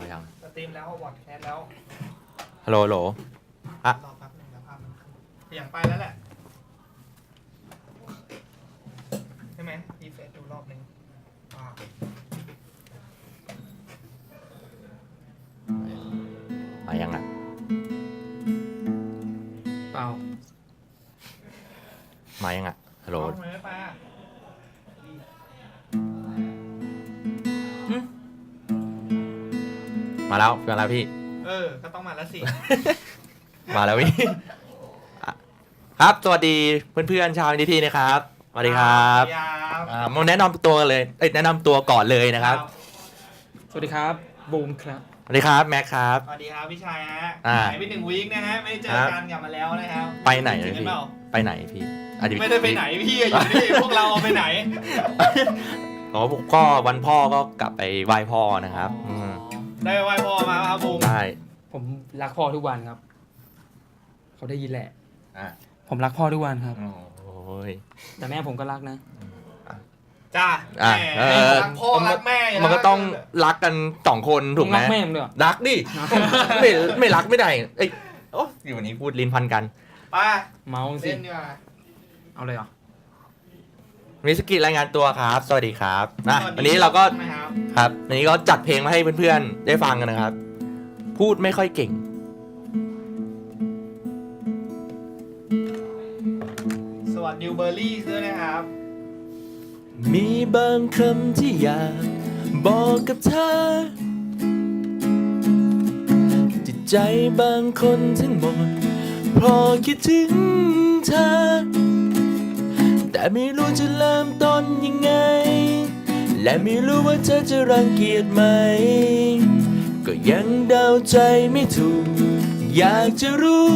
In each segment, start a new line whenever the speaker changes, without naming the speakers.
เอายัง
สตรีมแล้ววอดแคสแล้ว
ฮัลโหลฮัลโหลอ่ะ
รอแป๊บนึงนะภาพมันขึ้นอย่างไปแล้วแหละใช่ไหมรีเฟรชดูรอบนึงว้าว
มายังอ่ะ
เปล่า
มายังอ่ะฮัลโหล
ทำไมไม่ไปอ่ะ
มาแล้วพี่
ก็ต้องมาแล้วสิ
มาแล้วพี่ อ่ะครับสวัสดีเพื่อนๆชาวนิทีนะครับสวัสดีครับ
สวัสดีครับ
มาแนะนำตัวกันเลยแนะนำตัวก่อนเลยนะครับ
สวัสดีครับบูมครับ
สวัสดีครับแม็กครับ
สวัสดีครับพี่ชายฮะ
อ่า
หายไป1 วีคนะฮะไม่ได้เจอกันกลับมาแล้วนะครับ
ไปไหน
จ
เล
ริ
ย
งกัน
พี่
เปล่า
ไปไหนพี่อ่ะเยว
ไม่ได้ไปไหนพี่อยู่นี่ พวกเราเอาไปไหน
อ๋อผมก็วันพ่อก็กลับไปไหว้พ่อนะครับม
ได้ไหว้พ่อมาครับบูม
ได้
ผมรักพ่อทุกวันครับ เขาได้ยินแหละ
อ่ะ
ผมรักพ่อทุกวันครับ
โอ้ย
แต่แม่ผมก็รักนะ
จ้า
อ่ะ
แม่รักพ่อรักแม่
มันก็ต้องรักกัน2 คนถูกไหม
รักแม่ผมด้วยเหรอ
รักดิ ไม่รักไม่ได้เอ้ยโอ้อยู่วันนี้พูดลิ้นพันกัน
ไป
เมาสิ
เล่นดีกว่า
เอาเลยเหรอ
มิสกิรายงานตัวครับ สวัสดีครับนะ
สวัสดี
วันนี้เราก็
นะครับ
ครับวันนี้ก็จัดเพลงมาให้เพื่อนๆได้ฟังกันนะครับ พูดไม่ค่อยเก่ง
สวัสดีเบอร์รี่ด้วยนะครับ
มีบางคำที่อยากบอกกับเธอจิตใจบางคนทั้งหมดเพราะคิดถึงเธอแต่ไม่รู้จะเริ่มต้นยังไงและไม่รู้ว่าเธอจะรังเกียจไหมก็ยังเดาใจไม่ถูกอยากจะรู้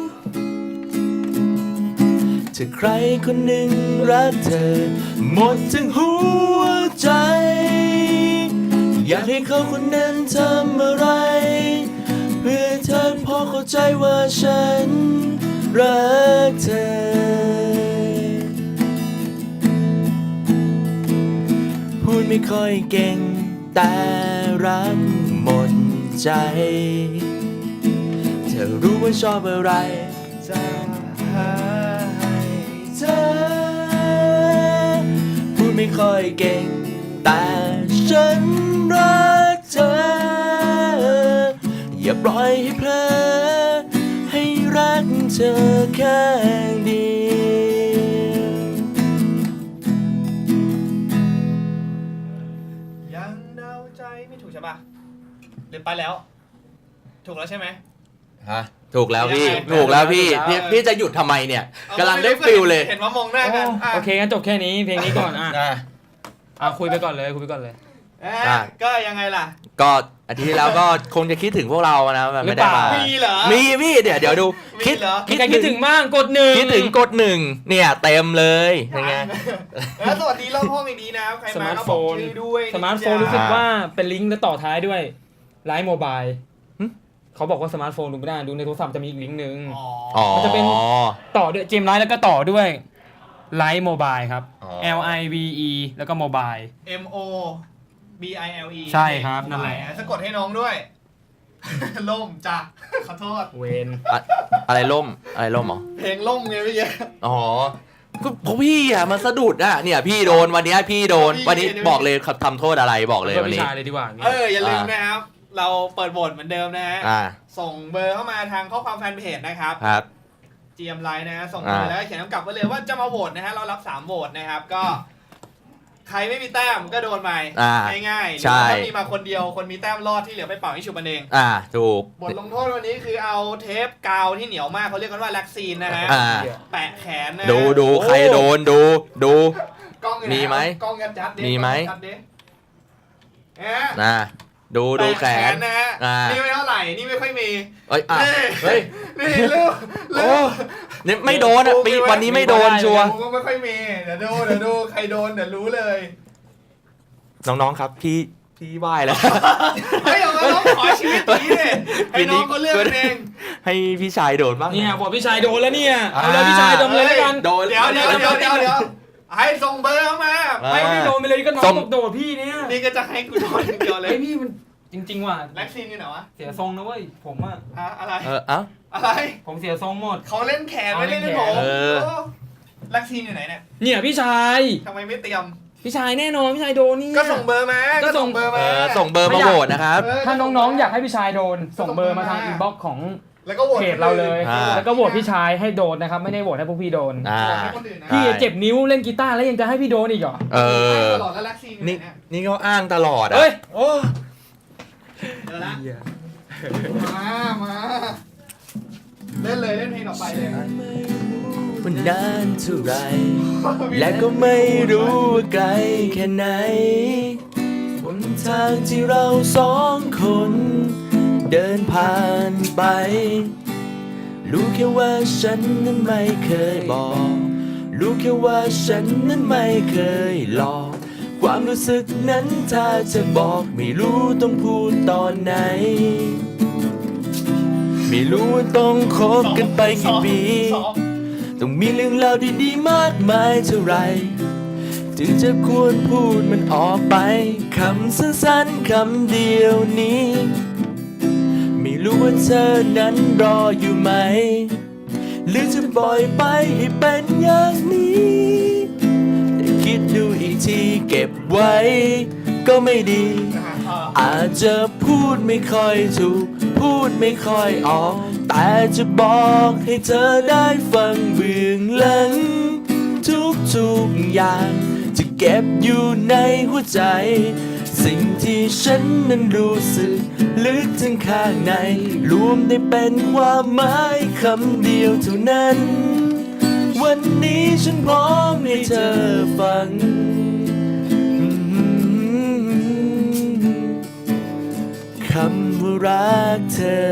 ถ้าใครคนหนึ่งรักเธอหมดทั้งหัวใจอยากให้เขาคนนั้นทำอะไรเพื่อเธอพอเข้าใจว่าฉันรักเธอพูดไม่ค่อยเก่งแต่รักหมดใจเธอรู้ว่าชอบอะไรจะให้เธอพูดไม่ค่อยเก่งแต่ฉันรักเธออย่าปล่อยให้เพลอให้รักเธอแค่เดียว
ยังเดาใจไม่ถูกใช่ปะหรือไปแล้ว ถูกแล้วใช่ไหม
ฮะถูกแล้วพี่
ยังไง
ถูกแล้วพี่
ถูกแล้ว
พี่จะหยุดทำไมเนี่ย
เอา
กำลังได้ฟิลเลย
เห็นว่ามองหน้ากันะ
โอเคงั้นจบแค่นี้เพลงนี้ก่อนอ่ะ
อ่ะ
คุยไปก่อนเลยคุยไปก่อนเลย
อ่ะก็ยังไงล่ะ
ก็อาทิตย์ที่แล้วก็คงจะคิดถึงพวกเรานะแบบไม่ได้มา
มีเหรอ
มีพี่เดี๋ยวดู
มี
คิด
เหรอ
มีใครคิดถึงบ้างกดหนึ่ง
คิดถึงกด1เนี่ยเต็มเลยยังไง
แล้วสวัสดีรอบห้องอีกนี้นะครับใคร
ส
มา
มาร์ท
ก็
โฟ
บอก
น
ชื่อด้วย
สมาร์ทโฟนรู้สึกว่าเป็นลิงก์แล้วต่อท้ายด้วยไลฟ์โมบาย
หึ
เขาบอกว่าสมาร์ทโฟนดูไม่ได้ดูในโทรศัพท์จะมีอีกลิงก์หนึ่ง
อ๋อ
อ๋อ
มันจะเป็น ต่อด้วยเกมไลฟ์แล้วก็ต่อด้วยไลฟ์โมบายครับ
อ๋อ
LIVE แล้วก็โมบาย
MOBILE
ใช่ครับนั่นแหละ
สะกดให้น้องด้วย ล่มจ้ะขอโทษ
เวน
อะไรล่มอะไรล่มเหรอ
เพลงล่มไงพี่เย
อ๋อก็เพราะพี่อ่ะมันสะดุดอ่ะเนี่ยพี่โดนวันเนี้ยพี่โดน
พี่
วันนี้
พี่
บอกเลยทำโทษอะไรบอกเลย
เพื่อ
วัน
พี่
นี้
ชายเลยดีกว่าอย่างงี้
อย่าลืมนะครับ เราเปิดโหวตเหมือนเดิมนะฮะ
อ่า
ส่งเบอร์เข้ามาทางข้อความแฟนเพจนะครับ
ครับ
GM Line นะฮะส่งมาแล้วก็เขียนคำกลับไว้เลยว่าจะมาโหวตนะฮะเรารับ3โหวตนะครับก็ ใครไม่มีแต้มก็โดนไป
อ่า
ง่ายๆหรือ
ใช่
ว่าถ้ามีมาคนเดียวคนมีแต้มรอดที่เหลือไปเป่าให้ฉุบมันเอง
ถูก
บทลงโทษวันนี้คือเอาเทปกาวที่เหนียวมากเขาเรียกกันว่าแล็กซีนนะฮะ
อ่า
แปะแขนนะ
ดูใครโดนดู
กล้องอยู่น
มีไหม
กล้องยัดดิ
มีไหม
กล้องยัดดิฮะ
นะดูแข
แปะ
น
นะฮะ
อ่า
นี่ไม่เท่าไหร่นี่ไม่ค่อยมี
เอ้ยอ่ะ
นี่
เฮ้ย
นี่ลูก
โอ้เนี่ยไม่โดนอ่ะปีวันนี้ไม่โดนชัวร์
กูก็ไม่ค่อยมีเดี๋ยวดูใครโดนเดี๋ยวรู้เลย
น้องๆครับพี่ไหว้แล้ว
เฮ้ยเอามาน้องขอชีวิตนี้เลยให้น้องเขาเลือกกันเอง
ให้พี่ชายโดดบ้าง
เนี่ยบอกพี่ชายโดนแล้วเนี่ยเอาเลยพี่ชายโดนเลยแล้วกัน
โดน
เดี๋ยวให้ส่งเบอร์เข้ามา
อ่า
ไม่โดนไปเลยก็น้องบอกโดดพี่เนี่ย
นี่ก็จะให้กูโดนอย่างเดียวเลย
ไอ้พี่มันจริงๆว่ะ
แล็กซีนอยู่ไหนวะ
เสียทรงนะเว้ยผมอะ
อะไร
เอ้า
อะไร
ผมเสียทรงหมด
เขาเล่นแขนไม่เล่นผม
เออ
แล็กซีนอยู่ไหนเนี่ย
เนี่ยพี่ชาย
ทำไมไม่เตรียม
พี่ชายแน่นอนพี่ชายโดนนี่
ก็ส่งเบอร์มา
ก็ส่ง
เบอร์มา
ส่งเบอร์มาโหวตนะครับ
ถ้าน้องๆอยากให้พี่ชายโดน ส่งเบอร์มาทางอินบ็อกซ์ของ
แล้วก็โหวต
เพจเราเลย
อ่า
แล้วก็โหวตพี่ชายให้โดนนะครับไม่ได้โหวตให้พวกพี่โดน
อ่า
โหวตให้คนอื่นนะ
พี่เจ็บนิ้วเล่นกีตาร์แล้วยังจะให้พี่โดนอีกเหรอ
เออ
ตลอดแล้วแล็กซีนอยู่ไหน
นี่
เนี่ย
นี่เขาอ้างตลอดอ่ะ
เฮ้ย
โอ้
เจอละมาเล่นเลยเล่นเพลงต่อไปเลย
มันนานเท่าไร และก็ไม่รู้ว่าไกลแค่ไหนบนทางที่เราสองคนเดินผ่านไป รู้แค่ว่าฉันนั้นไม่เคยบอก รู้แค่ว่าฉันนั้นไม่เคยหลอก ความรู้สึกนั้นถ้าจะบอกไม่รู้ต้องพูดตอนไหน ไม่รู้ว่าต้องคบกันไปกี่ปี ต้องมีเรื่องราวดีๆมากมายเท่าไรถึงจะควรพูดมันออกไปคำสั้นๆคำเดียวนี้ ไม่รู้ว่าเธอนั้นรออยู่ไหม หรือจะปล่อยไปให้เป็นอย่างนี้แต่คิดดูอีกทีเก็บไว้ก็ไม่ดี อาจจะพูดไม่ค่อยถูก พูดไม่ค่อยออก แต่จะบอกให้เธอได้ฟังเบื้องหลังทุกๆอย่างจะเก็บอยู่ในหัวใจ สิ่งที่ฉันนั้นรู้สึกลึกถึงข้างในรวมได้เป็นความหมายคำเดียวเท่านั้น วันนี้ฉันพร้อมให้เธอฟังคำว่ารักเธอ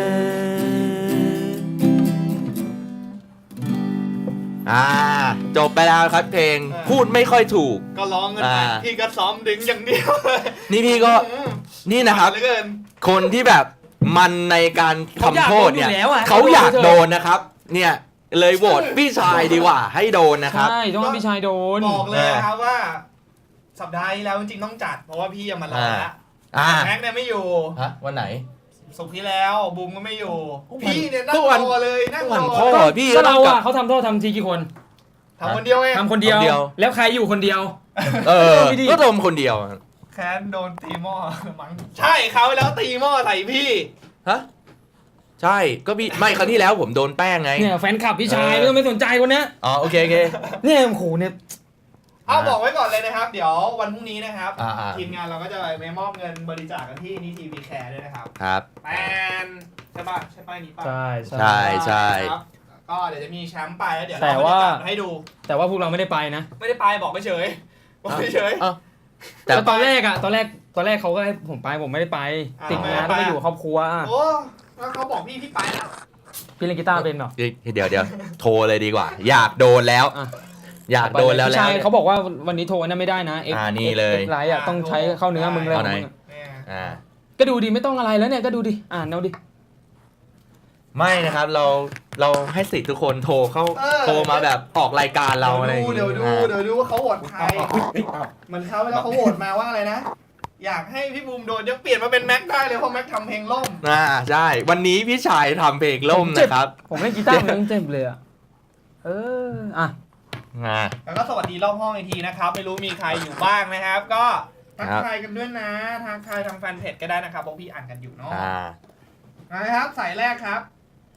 จบไปแล้วครับเพลงพูดไม่ค่อยถูก
ก็ร้องกันไปพี่ก็ซ้อมดึงอย่างเดียวเลย
นี่พี่ก็นี่นะครับ
เหลือเกิน
คนที่แบบมันในการทำโทษเนี่ย
เขา
เขาอยาก ก
อายโด
โด
น
นนะครับ เนี่ยเลยโหวตพี่ชายดีกว่าให้โดนนะครับ
ใช่ต้องให้พี่ชายโดน
บอกเลยนะครับว่า สัปดาห์ที่แล้วจริงๆต้องจัด เพราะว่าพี่ยังมารอละ แม็กเนี่ยไม่อยู่
ฮะวันไหน
สุกร์ที่แล้วบูมก็ไม่อยู่
วัน
พี่เนี่ยนั่ง
ก็วัน
รอเลยนั่งร
วัน
อ
พ่อ พี่
ก็เรา
ต้องกลั
อะ
บ
เขาทำโทษทำทีกี่คน
ทำคนเดียวเอง
ทำคนเดียว
คนเดียว
แล้วใครอยู่คนเดียว
เออ
พี่ดิ
ก็ดมคนเดียว
แค้นโดนตีหม้อมั้งใช่เขาแล้วตีหม้อใส่พี่
ฮะใช่ก็พี่ไม่ครั้งที่แล้วผมโดนแป้งไง
เนี่ยแฟนคลับพี่ชายไม่ต้องไปสนใจคนเนี้ย
อ๋อโอเคโอเค
เนี่ยโอ้โหเนี่ย
เอาบอกไว้ก่อนเลยนะครับ เดี๋ยววันพรุ่งนี้นะครับ
อ่า
ทีมงานเราก็จะไปมอบเงินบริจาคกันที่นิทีวีแคร์ด้วยนะครับ
ครับ
แปนใช่ป่ะใช่ป้ายนี้ป่ะ
ใช่
ใช่ใช่
ครับก็เดี๋ยวจะมีแชมป์ไปแล้วเดี๋ยว
แต่
เรา
ว่า
บรรยากาศมาให้ดู
แต่ว่าพวกเราไม่ได้ไปนะ
ไม่ได้ไปบอกเฉยบอกเฉย
เอ้าแต่
แต่ตอนแรกตอนแรกเขาก็ให้ผมไปผมไม่ได้ไป
อ่า
ติดงานต้องไปอยู่กับครอบครัว
โอ้แล้วเขาบอกพี่ไปแล้ว
พี่เล่นกีตาร์เป็นเหรอ
เดี๋ยวโทรเลยดีกว่า อยากโดนแล้ว
อ่ะ
อยากโดนแล้ว
พี่ชายเขาบอกว่าวันนี้โทรนั่นไม่ได้นะ
นี่เลย
ไลน์อะต้องใช้เข้าเนื้อมึงเลย
เอาไหน
เนี่ย
อ่า
ก็ดูดิไม่ต้องอะไรแล้วเนี่ยก็ดูดิอ่านเอาดิ
ไม่นะครับเราให้สิทธิ์ทุกคนโทรโทรมาแบบออกรายการเราอะไรอย่าง
เดี๋ยวดู
อ่า
เดี๋ยวดูว่าเขาโหวตใครเหมือนเขาแล้วเขาโหวตมาว่าอะไรนะ อยากให้พี่บูมโดนยังเปลี่ยนมาเป็นแม็กได้เลยเพราะแม็กทำเพลงล่ม
ใช่วันนี้พี่ชายทำเพลงล่มนะครับ
ผมเล่นกีตาร์ผมยังเจ็บเลยอะอ่ะ
แล้วก็สวัสดีรอบห้องอีกทีนะครับ ไม่รู้มีใครอยู่บ้างนะครับ ก็ทักทายกันด้วยนะทักทายทางแฟนเพจก็ได้นะครับเพราะพี่อ่านกันอยู่เนาะนะครับสายแรกครับ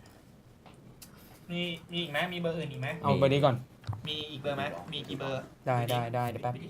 มีอีกไหมมีเบอร์อื่นอีกไหม
เอาเบอร์นี้ก่อน
มีอีกเบอร์ไหมมีกี่เบอร์
ได้เดี๋ยวแป๊บ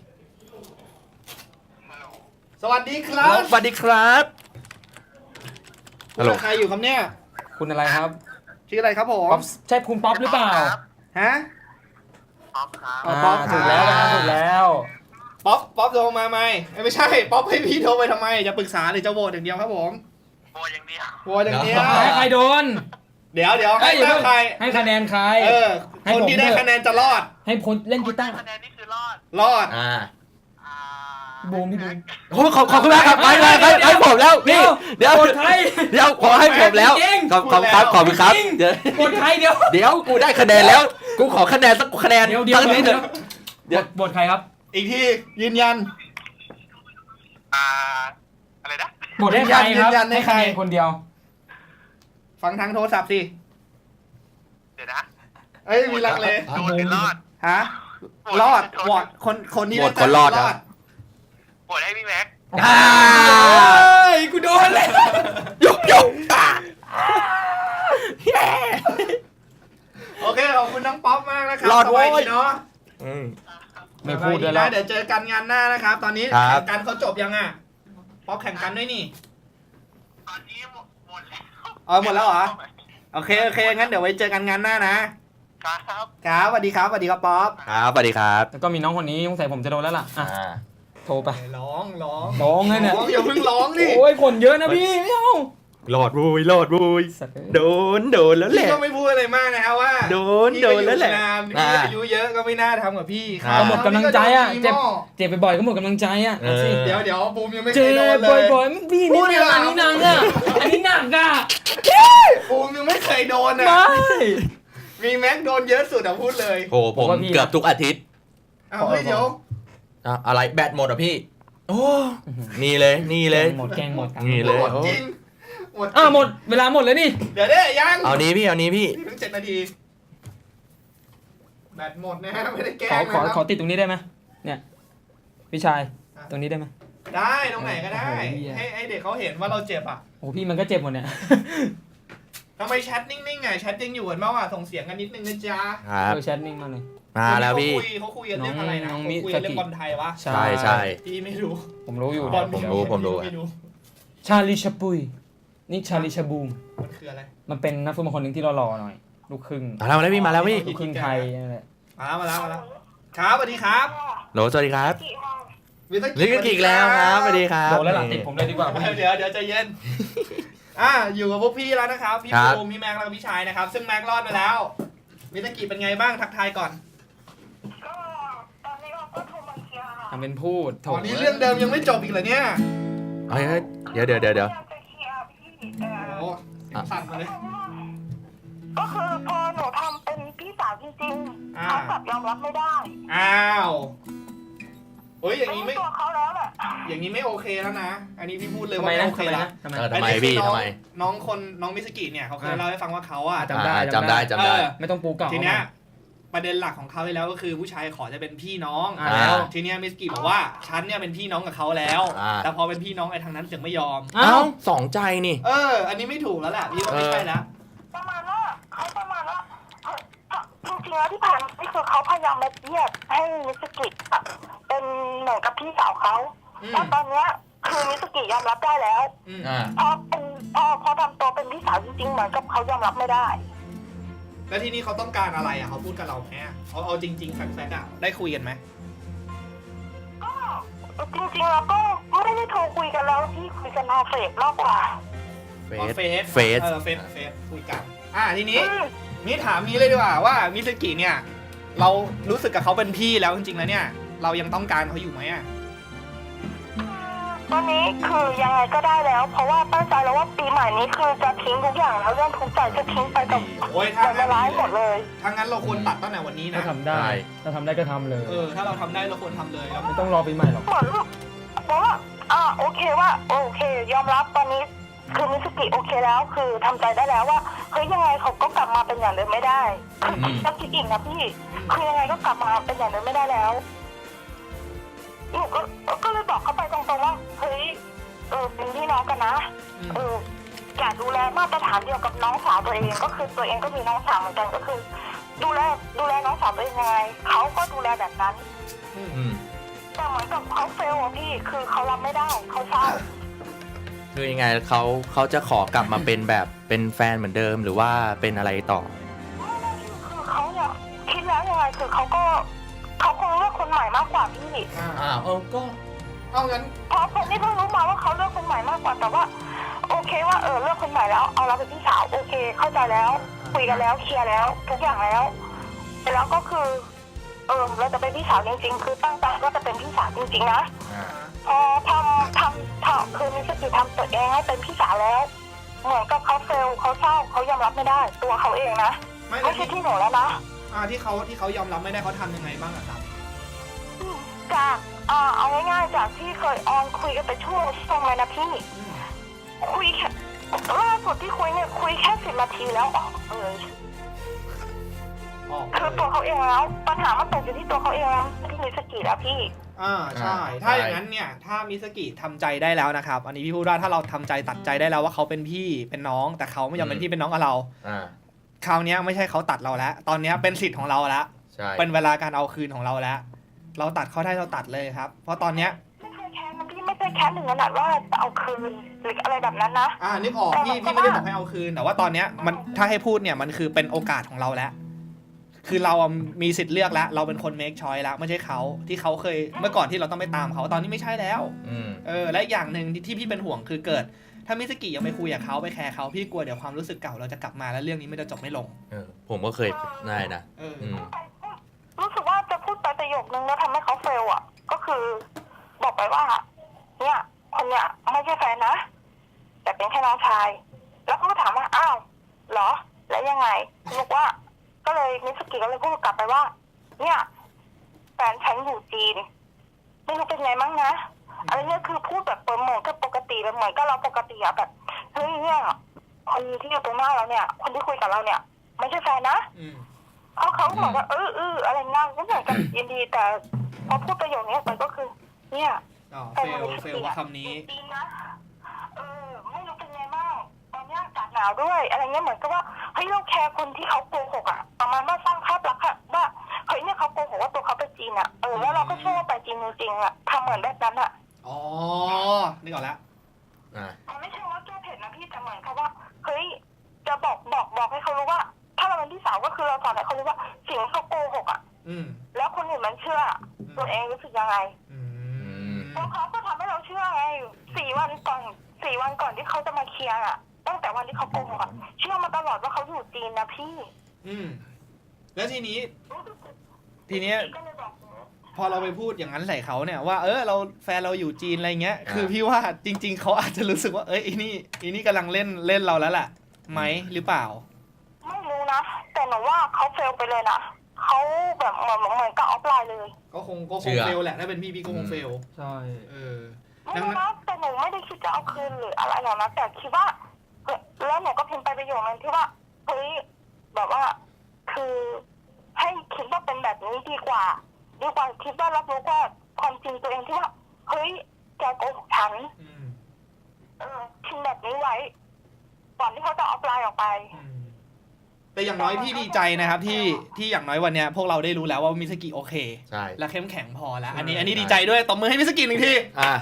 สวัสดีครับ
สวัสดีครับฮัลโหล
ใครอยู่ครับเนี่ย
คุณอะไรครับ
ชื่ออะไรครับผม
ป๊อปใช่คุณป๊อปหรือเปล่า
ฮะ
อ่า
ป๊อป
ถูกแล้วนะครับถูกแล้ว
ป๊อปโทรมาไหมไม่ใช่ป๊อปให้พี่โทรไปทำไมจะปรึกษาหรือจะโหวตอย่างเดียวครับผมโหวตอย่างเดียวโหวตอย่างเดียว
ให้ใครโดน
เดี๋ยวให้
อย่าเพิ่ง
ใคร
ให้คะแนนใคร ให้
คน
ผม
ที่ได้
เถอะ
คะแนนจะรอด
ให้พลเล่นกีตาร์
คะแนนนี่คือรอด
รอด
บูมพี่บูม
โอ้ขอบคุณมากครับให้ผมแล้วพี่เดี๋ยว
กดใคร
เดี๋ยวขอให้ผมแล้ว
จริง
ขอบคุณครับเดี๋ยว
กดใครเดี๋ยว
เดี๋ยวกูได้คะแนนแล้ว กูขอคะแนนสักคะแนน
เดี๋ยว
สักนิดเถอะ เดี๋ยว
บทใครครับ
อีกทียืนยัน
อะไรนะ
หมดให้ใครครับ
ยืนยันให้ใคร
คะแนนคนเดียว
ฟังทางโทรศัพท์สิ
เดี๋ยวนะ
เอ้ยมีลังเล
โดนหรือรอด
ฮะรอดวอดคนนี้
โหวตคนรอดครับ
โหวตให้พี่แม็ก
เฮ้ยกูโดนเลย
ยกแย่
โอเคขอบคุณน้องป๊อปมากนะครับ
รอด
สบาย
โว้
ดี
ย
เนาะ
ไม่พูดด้วย
นะ
แล้ว
เดี๋ยวเจอกันงานหน้านะครับ ตอนนี้
ครับ
แข่งกันเขาจบยังอ่ะป๊อปแข่งกันด้วยนี่
ตอนนี้หมดแล้ว
หมดแล้วเหรอ โอเคงั้นเดี๋ยวไว้เจอกันงานหน้านะครับ ครับสวัสดีครับป๊อป
ครับสวัสดีครับ
แล้วก็มีน้องคนนี้สงสัยผมจะโดนแล้วล่ะอ่ะโทรไป
ร้อง
ร้องเลยเนี่ย
ร้องอย่าเพิ่งร้องดิ
โอ้ยคนเยอะนะพี่ไม่เอา
รอดบุย
สัตว์เอ้ย
โดนแล้วแห
พี่
ละ
ก็ไม่พูดอะไรมากนะครับว่า
โดนแล้วแหละ
พี่ก็อยู่นานพี่อายุเยอะก็ไม่น่าทำกับพี่
ก็หมดกำลังใจอ่ะ
พี่
เจ็บ
ก็โดน
เจ็บบ่อยๆก็หมดกำลังใจอ่ะเอาสิ
เดี๋ยวบูมยังไม่เค
เจ็
ยโดน
บ
เลย
บ่อยๆพี่
พู
นี่
ดดีกว่า
อันนี้หนักอ่ะอันนี้หนักอ่ะ
บูมยังไม่เคยโดนอ่ะ
ไม่
มีแม็กโดนเยอะสุดอ่ะพูดเลย
โอ้ผมเกือบทุกอาทิตย์
อ้าวเฮ้ยเดี๋ยว
อะไรแบตหมดอ่ะพี่ โอ้นี่เลย
หมดแกงหมด
นี่เลย
หมดจริงหมด
หมดเวลาหมดเลยนี่
เดี๋ยวได้ยัง
เอานี้พี่
พี่เพิ่ง7 นาทีแบตหมดนะฮะไม่ได้แกล้ง
ขอ
นะครับ
ขอติดตรงนี้ได้ไหมเนี่ยพี่ชายตรงนี้ได้ไหม
ได้ตรงไหนก็ได้
โอ้โหเหี้ย
ให้เด็กเขาเห็นว่าเราเจ็บอ่ะ
โอ้พี่มันก็เจ็บหมดเนี่ย
ทำไมแชทนิ่งๆไงแชทยังอยู่กันบ้างอ่ะส่งเสียงกันนิดนึงนะจ๊ะ
ครับ
เออแชทนิ่งมากเลย
มาแล้วพี่
เขาคุยกันเรื่องอะไรนะ
น้อง
เขา
มิ
คุยกันเรื่องบอลไทยวะ
ใช่
พี่ไม่รู้
ผมรู้อยู่
บอล
ผมรู้
ไม่รู้
ชาลิชาปุยนี่ชาลิชาบูม
มันคืออะไร
มันเป็นนักฟุตบอลคนหนึ่งที่หล่อๆหน่อย ลูกครึ่ง
มาแล้วพี่
ลูกครึ่งไทยนั่นแหละ
มาแล้วครับสวัสดีครับ
โหลสวัสดีครับ
วิท
ลิกกิกแล้วครับสวัสดีครับ
โดนแล้วหลังติดผมเลยดีกว่า
เดี๋ยวใจเย็นอยู่กับพวกพี่แล้วนะครับพี่ภูมิพี่แม็กแล้วก็พี่ชายนะครับซึ่งแม็กรอดไปแล้ววิทกิเป็นไงบ้างทักทายก่อน
ก็ตอนนี้ก็โทรมาเคลียร์
ทำเป็นพูดโถ
ตอนนี้เรื่องเดิมยังไม่จบอีกเหรอเนี่ย
เฮ้ยเดี๋ยว
พยายามจะเคลียร์พี่แต่
โอ้เสียงสั่นมาเลย
ก็คือพอหนูทำเป็นพี่สาวจริงๆ
อ่า
เขากลับยอมรับไม่ได้
อ้าวเฮ้ยอย่างนี้ไม่
ตัวเขาแล้วแหละ
อย่างนี้ไม่โอเคแล้วนะ อันนี้พี่พูดเลย
ทำ
ว่า
ไม
ไม่
นะ
โอเค
ทำไม
แล้ว
นะทำไม
ทำไมพี่ทำไม
น้องมิสกิเนี่ยเขาเคยเล่าให้ฟังว่าเขาอ่ะ
จำได้
จำได้
ไม่ต้องปูเก่า
ทีเนี้ยประเด็นหลักของเขาเลยแล้วก็คือผู้ชายขอจะเป็นพี่น้อง
แล้ว
ทีเนี้ยมิสกิบอกว่าฉันเนี่ยเป็นพี่น้องกับเขาแล้ว
อ่า
แต่พอเป็นพี่น้องไอ้ทางนั้นถึงไม่ยอม
เอ้า
สองใจนี่
อันนี้ไม่ถูกแล้วแหละพี่ว่าไม่ใช่แล้ว
ประมาณว่าเขาประมาณว่าจริงๆแล้วที่ผ่านมานี่คือเขาพยายามมาเยียดให้มิสกิอะเป็นเหมือนกับพี่สาวเขา
อืม
แล้วตอนเนี้ยคือมิสกิยอมรับได้แล้ว
อืม
พอทำตัวเป็นพี่สาวจริงๆเหมือนกับเขายอมรับไม่ได้
แล้วทีนี้เขาต้องการอะไรอ่ะเขาพูดกับเราไหมอะเอาจริงๆแฟกต์อ่ะได้คุยกันไหม
ก็จริงๆแล้วก็ไม่ได้โทรคุยกันแล้วที่คุยกันทางเฟซมากกว่า
เฟส
เฟสคุยกันทีนี้นี่ถามนี้เลยดีกว่าว่ามิสกิเนี่ย เรารู้สึกกับเขาเป็นพี่แล้วจริงๆแล้วเนี่ย เรายังต้องการเขาอยู่ไหมอ่ะ
ตอนนี้คือยังไงก็ได้แล้ว เพราะว่าตั้งใจแล้วว่าปีใหม่นี้คือจะทิ้งทุกอย่างแล้วเรื่องทุกใจจะทิ้งไปกับ
โอ้ยถ้า
ละลายหมดเลย
ถ้างั้นเราควรตัดตั้งแต่วันนี้
ถ้า
นะ
ทำได้ถ้าทำได้ก็ทำเลย
ถ้าเราทำได้เราควรทำเลยแล้ว
ไม่ต้องรอปีใหม่หรอก
เหมือนเพราะว่าโอเคว่าโอเค ยอมรับตอนนี้คือมิสกิโอเคแล้วคือทำใจได้แล้วว่าเฮ้ยยังไงเขาก็กลับมาเป็นอย่างเดิมไม่ได้ต้องคิดอีกนะพี่คือยังไงก็กลับมาเป็นอย่างเดิมไม่ได้แล้วหนูก็เลยบอกเขาไปตรงๆว่าเฮ้ยเป็นพี่น้องกันนะอยากดูแลมาตรฐานเดียวกับน้องสาวตัวเองก็คือตัวเองก็มีน้องสาวเหมือนกันก็คือ ดูแลน้องสาวตัวเองยังไงเขาก็ดูแลแบบนั้นแต่เหมือนกับเขาเฟลอะพี่คือเขารับไม่ได้เขาเศร้า
คือยังไงเขาจะขอกลับมาเป็นแบบเป็นแฟนเหมือนเดิมหรือว่าเป็นอะไรต่อ
คือเขาเนี่ยคิดแล้วยังไงคือเขาคงเลือกคนใหม่มากกว่าพี่
ก็เอางั้น
เพราะผมนี่เพิ่งรู้มาว่าเขาเลือกคนใหม่มากกว่าแต่ว่าโอเคว่าเลือกคนใหม่แล้วเอาเราเป็นพี่สาวโอเคเข้าใจแล้วคุยกันแล้วเคลียร์แล้วทุกอย่างแล้วแล้วก็คือเราจะเป็นพี่สาวจริงๆคือตั้งใจว่าจะเป็นพี่สาวจริงๆนะพอทำคือมิสกิทำตัวเองให้เป็นพี่สาวแล้วเหมือนกับเขาเฟลเขาเศร้าเขายอมรับไม่ได้ตัวเขาเองนะไม่ใช่ที่หนูแล้วนะ
ที่เขายอมรับไม่ได้เขาทำยังไงบ้างอะครับ
เอาง่ายๆจากที่เคยออนคุยกันไปชั่วโมงเลยนะพี่คุยแค่ล่าสุดที่คุยเนี่ยคุยแค่10 นาทีแล้วออกเลยคือตัวเขาเองแล้วปัญหามันตกอยู่ที่ตัวเขาเองแล้วที่มิสกิแล้วพี่
ใช่ถ้าอย่างนั้นเนี่ยถ้ามิสกิทำใจได้แล้วนะครับอันนี้พี่พูดว่าถ้าเราทำใจตัดใจได้แล้วว่าเขาเป็นพี่เป็นน้องแต่เขาไม่ยอมเป็นพี่เป็นน้องกับเราคราวนี้ไม่ใช่เขาตัดเราแล้วตอนนี้เป็นสิทธิ์ของเราแล้วเป็นเวลาการเอาคืนของเราแล้วเราตัดเขาได้เราตัดเลยครับเพราะตอนเนี้ย
ไม่เคยแค้นนะพี่ไม่เคยแค้นถึงขนาดว่าจะเอาคืนหรืออะไรแบบนั้นนะ
นึกออกพี่ไม่ได้บอกให้เอาคืนแต่ว่าตอนเนี้ยมันถ้าให้พูดเนี่ยมันคือเป็นโอกาสของเราแล้วคือเรามีสิทธิ์เลือกแล้วเราเป็นคน make choice แล้วไม่ใช่เขาที่เขาเคยเมื่อก่อนที่เราต้องไปตามเขาตอนนี้ไม่ใช่แล้วและอีกอย่างหนึ่งที่พี่เป็นห่วงคือเกิดถ้ามิสกิยังไปคุยกับเขาไปแคร์เขาพี่กลัวเดี๋ยวความรู้สึกเก่าเราจะกลับมาแล้วเรื่องนี้ไม่จะจบไม่ลง
ผมก็เคยได้นะ
รู้สึกว่าจะพูดไปประโยคนึงแล้วทำให้เขาเฟลอ่ะก็คือบอกไปว่าเนี่ยคนเนี้ยไม่ใช่แฟนนะแต่เป็นแค่น้องชายแล้วเขาก็ถามว่าอ้าวเหรอแล้วยังไงบอกว่าก็เลยมิสกิก็เลยพูดกลับไปว่าเนี่ยแฟนฉันอยู่จีนไม่รู้เป็นไงมั้งนะอะไรเนี่ยคือพูดแบบเหมือนกับปกติแบบเหมือนกับเราปกติอะแบบเฮ้ยเนี่ยคนที่อยู่ตรงหน้าเราเนี่ยคนที่คุยกับเราเนี่ยไม่ใช่แฟนนะเขาเหมือนกับอะไรนั่งก็เหมือนกับยินดีแต่พอพูดประโยคนี้มันก็คือเนี่ย
เฟลคำนี้
จริงนะไม่รู้เป็นไงบ้างตอนนี้อากาศหนาวด้วยอะไรเงี้ยเหมือนกับว่าเฮ้ยเราแคร์คนที่เขาโกหกอะประมาณว่าสร้างภาพลักษณ์ว่าเฮ้ยเนี่ยเขาโกหกว่าตัวเขาไปจีนอะแล้วเราก็เชื่อว่าไปจีนจริงๆอะทำเหมือนแบบนั้นอะ
นึกออกแล้ว
มันไม่ใช่ว่าแก้เผ็ดนะพี่แต่เหมือนกับว่าเฮ้ยจะบอกให้เขารู้ว่าถ้าเราเป็นพี่สาวก็คือเราสอนให้เขารู้ว่าสิ่งที่เขาโกหกอะแล้วคนอื่นมันเชื่อตัวเองรู้สึกยังไงแล้วเขาก็ทำให้เราเชื่อไง4 วันก่อนที่เขาจะมาเคลียร์อะตั้งแต่วันที่เขาโกหกอะเชื่อมาตลอดว่าเขาอยู่จีนนะพี่
แล้วทีนี้พอเราไปพูดอย่างนั้นใส่เขาเนี่ยว่าเราแฟนเราอยู่จีนอะไรเงี้ยคือพี่ว่าจริงๆเขาอาจจะรู้สึกว่าอีนี่กำลังเล่นเราแล้วแหละไหมหรือเปล่า
ไม่รู้นะแต่หนูว่าเขาเฟลไปเลยนะเขาแบบเหมือนกับออฟไลน์เลย
ก็คงเฟลแหละถ้าเป็นพี่ก็คงเฟล
ใช่
ไม่รู้นะแต่หนูไม่ได้คิดจะเอาคืนหรืออะไรหรอกนะแต่คิดว่าแล้วหนูก็พิมพ์ไปประโยคนึงที่ว่าเฮ้ยแบบว่าคือให้คิดว่าเป็นแบบนี้ดีกว่าคิดว่ารับรู้ว่าความจริงตัวเองที่ว่าเฮ้ยแกโกหกฉันพิมพ์แบบนี้ไว้ก่อนที่เขาจะออฟไลน์ออกไป
แต่อย่างน้อยพี่ดีใจนะครับที่อย่างน้อยวันนี้พวกเราได้รู้แล้วว่ามิสกิโอเคและเข้มแข็งพอแล้วอันนี้ดีใจด้วยตบมือให้มิสกิ1 ที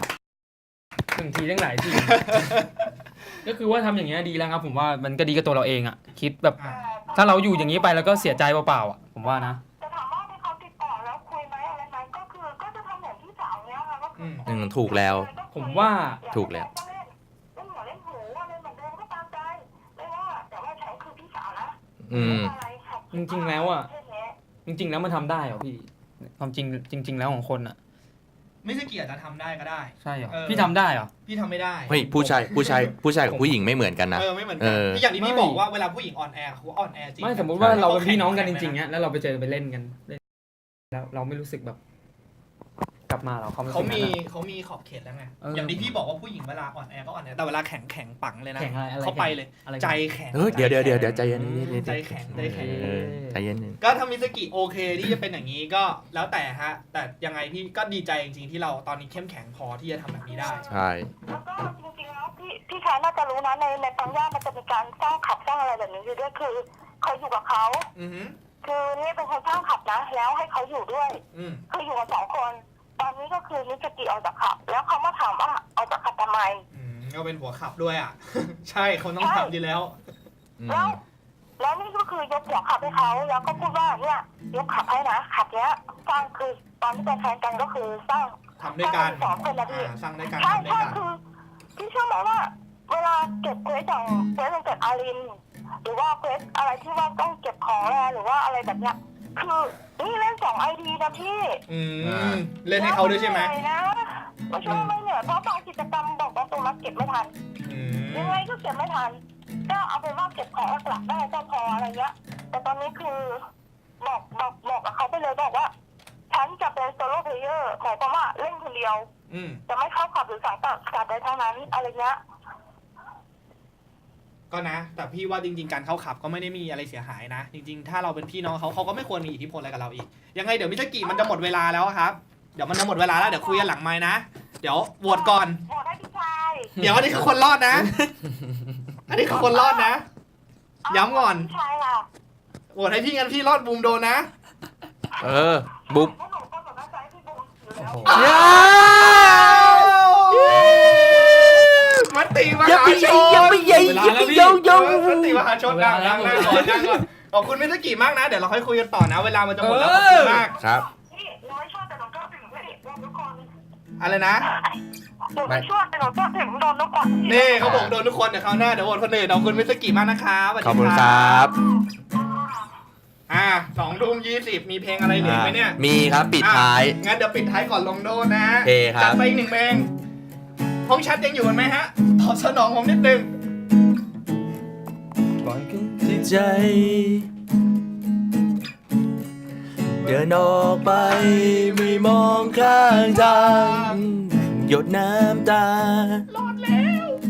1 ทีตั้งหลายทีก็คือว่าทำอย่างเงี้ยดีแล้วครับผมว่ามันก็ดีกับตัวเราเองอ่ะคิดแบบถ้าเราอยู่อย่างนี้ไปแล้วก็เสียใจเปล่าๆอ่ะผมว่านะ
จะถามว่าที่เขาติดต่อแล้วคุยไหมอะไรไหมก็จะทำอย่างที่สาวเนี้ยค่ะก็คือ
ถูกแล้ว
ผมว่า
ถูกแล้ว
เล่นหัวเล่นหูอะไรเหมือนเดิมก็ตามใจไม่ว่าแต่ว่าฉันคือพี่สาวนะ
จริงๆแล้วอ่ะจริงๆแล้วมันทำได้เหรอพี่ความจริงแล้วของคนอ่ะ
ไม่ใช่เกียรติจะทำได้ก็ได้
ใช่เหรอพี่ทำได้เหรอ
พี่ทำไม่ได้
เฮ้ยผู้ชายกับผู้หญิงไม่เหมือนกันนะ
ไม่เหมือนกันที่อย่างที่พี่บอกว่าเวลาผู้หญิงอ่อนแอเขาอ่อนแอจริง
ไม่สมมติว่าเราเป็นพี่น้องกันจริงๆเนี้ยแล้วเราไปเจอไปเล่นกันแล้วเราไม่รู้สึกแบบกลับมาเขา
มีขอบเขตแล้วไงอย่างที่พี่บอกว่าผู้หญิงเวลาอ่อนแอก็อ่อนแอแต่เวลาแข็งปังเลยนะเขาไปเลยใจแข็ง
เดี๋ยวใจเย็น
ใจแข็งก็ทำมิสกิโอเคที่จะเป็นอย่างนี้ก็แล้วแต่ฮะแต่ยังไงพี่ก็ดีใจจริงๆที่เราตอนนี้เข้มแข็งพอที่จะทำแบบนี้ได้
ใช่
แล้วก็จริงๆแล้วพี่ชายน่าจะรู้นะในปังย่ามันจะมีการสร้างขับสร้างอะไรแบบนี้อยู่ด้วยคือเคยอยู่กับเขาคือนี่เป็นคนสร้างขับนะแล้วให้เขาอยู่ด้วยคืออยู่กัน2 คนตอนนี้ก็คือมิสกิออกจากขับแล้วเขามาถามว่าออกจากขับทำไม
ก็เป็นหัวขับด้วยอ่ะใช่คนต้องขับอยู่แล้ว
แล้วนี่ก็คือยกหัวขับให้เขาแล้วก็พูดว่าเนี่ยยกขับให้นะขับเนี้ยสร้างคือตอนที่เป็นแฟนกันก็คือสร้าง
ทำด้วยกัน
2 คนนะพี่
สร้างด้วยกัน
ใช่คือพี่เชื่อไหมว่าเวลาเก็บเควสอย่างเควสวันเกิดอารินหรือว่าเควสอะไรที่ว่าต้องเก็บของแล้วหรือว่าอะไรแบบเนี้ยคือนี่เล่น2 ID นะพี่
เล่นให้เขาด้วยใช่ไหม
ไม่ใช่ไม่เหนื่อยเพราะบางกิจกรรมบอกว่าตัวมัดเก็บไม่ทันยังไงก็เก็บไม่ทันก็เอาเป็นว่าเก็บของหลักได้ก็พออะไรเงี้ยแต่ตอนนี้คือบอกกับเขาไปเลยบอกว่าฉันจะเป็นโซโล่เพลเยอร์หมายความว่าเล่นคนเดียว จะไม่เข้าขับหรือสังกัดใดทั้งนั้นอะไรเงี้ย
ก็นะ แต่พี่ว่าจริงๆการเข้าขับก็ไม่ได้มีอะไรเสียหายนะ จริงๆถ้าเราเป็นพี่น้องเขาก็ไม่ควรมีอิทธิพลอะไรกับเราอีกยังไงเดี๋ยวมิสกิมันจะหมดเวลาแล้วครับเดี๋ยวมันจะหมดเวลาแล้วเดี๋ยวคุยกันหลังไมค์นะเดี๋ยวโหวตก่อน
โหวตได้พี่ชาย
เดี๋ยวอันนี้คือคนรอดนะ อันนี้คือคนรอดนะ ย้ำก่อน
พี่ชายค่ะ
โหวตให้พี่งั้นพี่รอดบูมโดนนะ
บุ๊บ
พวกหนูก็แบบว่าใจพี่บูมอยู่แล้ว
มติมหาชน
ยังไม่ใหญ่
เวลาแล้วพี่
ยัง
มติมหาชนนั่งก่อนขอบคุณมิสกิมากนะเดี๋ยวเราค่อยคุยกันต่อนะเวลามันจะหมดแล้วขอบคุณมาก
ครับ
พี่น้อยชอบแต่หนูก็ถึงพี่โดนทุกคน
อะไรนะ
หนูไม่ชอบแต่หนูก็ถึงโดนทุกคน
นี่เขาบอกโดนทุกคนเดี๋ยวคราวหน้าเดี๋ยวโหวตคนอื่นขอบคุณมิสกิมากนะครับสวัสดี
ขอบคุณครับ
2:20มีเพลงอะไรเหลือไหมเนี่ย
มีครับปิดท้าย
งั้นเดี๋ยวปิดท้ายก่อนลงโดนนะ
โอเคครับ
จัดไปอีกหนึ่งเพลงห้องแชัดยังอยู่กันไหมฮะตอบสนองผมนิดนึง
ที่ใจ เดินออกไปไม่มองข้างทางหยดน้ำตา
รอดแล้ว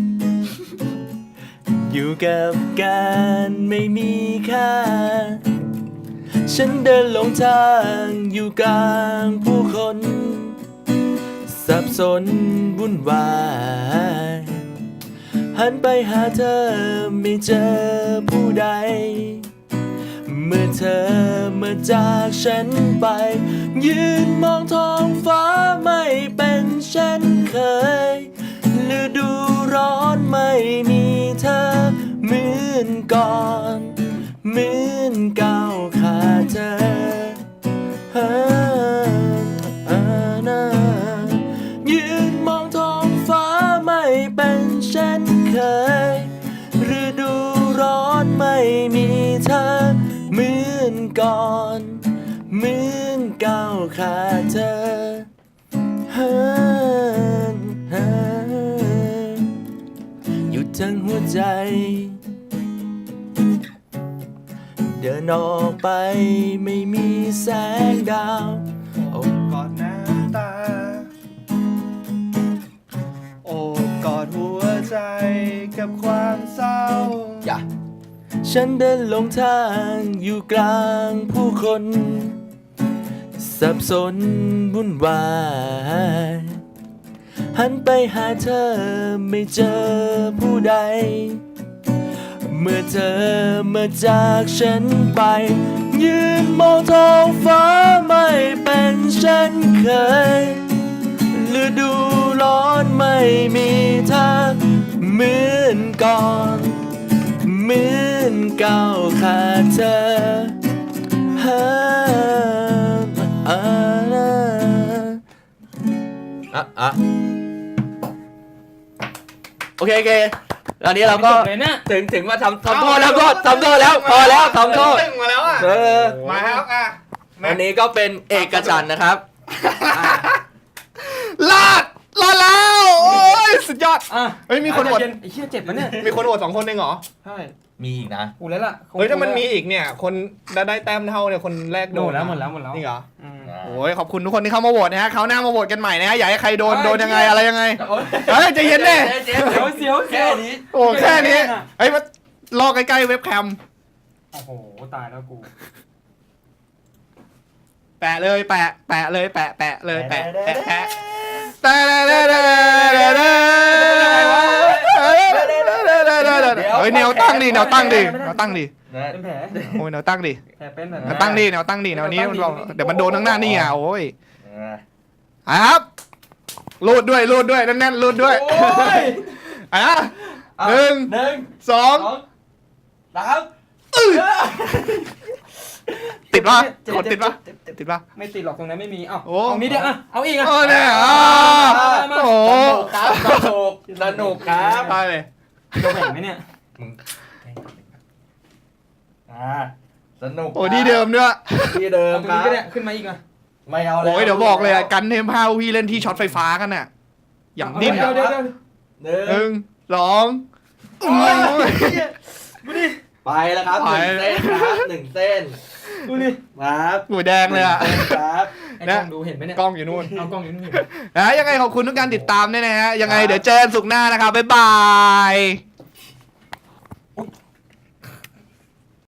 อยู่กับการไม่มีค่า ฉันเดินหลงทางอยู่กลางผู้คน สับสนวุ่นวายหันไปหาเธอไม่เจอผู้ใด เมื่อเธอมาจากฉันไป ยืนมองท้องฟ้าไม่เป็นเช่นเคยฤดูร้อนไม่มีเธอเหมือนก่อนเหมือนก้าวขาดเธอยืนมองท้องฟ้าไม่เป็นเช่นเคยฤดูร้อนไม่มีเธอเหมือนก่อนเหมือนก้าวขาดเธอหยุดทั้งหัวใจเดินออกไปไม่มีแสงดาวโอ้
กอดน้ำตาโอบกอดหัวใจกับความเศร้า
อย่าฉันเดินหลงทางอยู่กลางผู้คน สับสนวุ่นวายหันไปหาเธอไม่เจอผู้ใด เมื่อเธอมาจากฉันไป ยืนมองท้องฟ้าไม่เป็นเช่นเคยฤดูร้อนไม่มีเธอเหมือนก่อนเหมือนก้าวขาดเธอโอเคตอนนี้เราก็
จบเลยเนี่ย
ถึงมาทำโทษแล้วก็ทำโทษแล้วพอแล้วทำโทษ
ตึ้งมาแล้วอ่ะ มาครับ
อันนี้ก็เป็นเอกฉันท์นะครับ
รอดแล้ว โอ้ยสุดยอด
อ่ะ
เฮ้ยมีคนโหวต
ไอ้เหี้ยเจ็บมันเนี่ย
มีคนโหวต2 คนเองเหรอ
ใช่
มีอีกนะ
กูแล้วล่ะ
เฮ้ยถ้ามันมีอีกเนี่ย คนได้แต้มเท่าเนี่ยคนแรกโดน
หมดแล้ว
นี่เหรอ
อืม
โอ้ยขอบคุณทุกคนที่เข้ามาโหวตนะฮะเขาวหน้ามาโหวตกันใหม่นะฮะอยากให้ใครโดนยังไงอะไรยังไงเฮ้ยใจเย็นดิ
เสียว
แค่นี้
โอ้แค่นี้เฮ้ยมารอใกล้ๆเว็บแคม
โอ้โหตายแล้วกู
แปะเลยแปะเลยแปะเลยแปะเฮ้ยแนวตั้งดิ
เป็นแผล
โอ้ยแนวตั้งดิ
แผลเป็นแบบ
แนวตั้งดิแนวนี้มันบอกเดี๋ยวมันโดนข้างหน้านี่อ่ะโอ้ยครับรูดด้วยแน่นๆรูดด้วยอ่ะ1 2 ติดปะกดติดปะ
ไม่ติดหรอกตรงนั้นไม่มีเอ้า
โอ้
เอานี้เดียวอ่ะเอาอีกอ่ะ
โอ้เนี่ยโอ้
สนุกครับ
ตายเลย
โดนแผลไหมเนี่ย
สนุก
โอ้ที่เดิมด้วย
ที่เดิม
เอาตรง
ครั
นี้
บ
ก็ได้ขึ้นมาอีกอ่ะ
ไม่เอาแล้ว
โอ้ยเดี๋ยวบอกเลยอ่ะกันเทม5พี่เล่นที่ช็อตไฟฟ้ากันน่ะอย่างดิ้น
เดี๋ยว
1 2
ดูดิ
ไปแล้วครับ
ไป
1 เส้นครับ1 เส้น
ดูดิ
ครับ
หัวแดงเลยอ่ะ
1 เส้นครับ
ไอ้กล้องดูเห็นไหมเนี่ย
กล้องอยู่นู่น
เอากล้องอยู่นู่นเห็น
นะยังไงขอบคุณทุกการติดตามด้วยนะฮะยังไงเดี๋ยวเจอกันศุกร์หน้านะครับบ๊ายบาย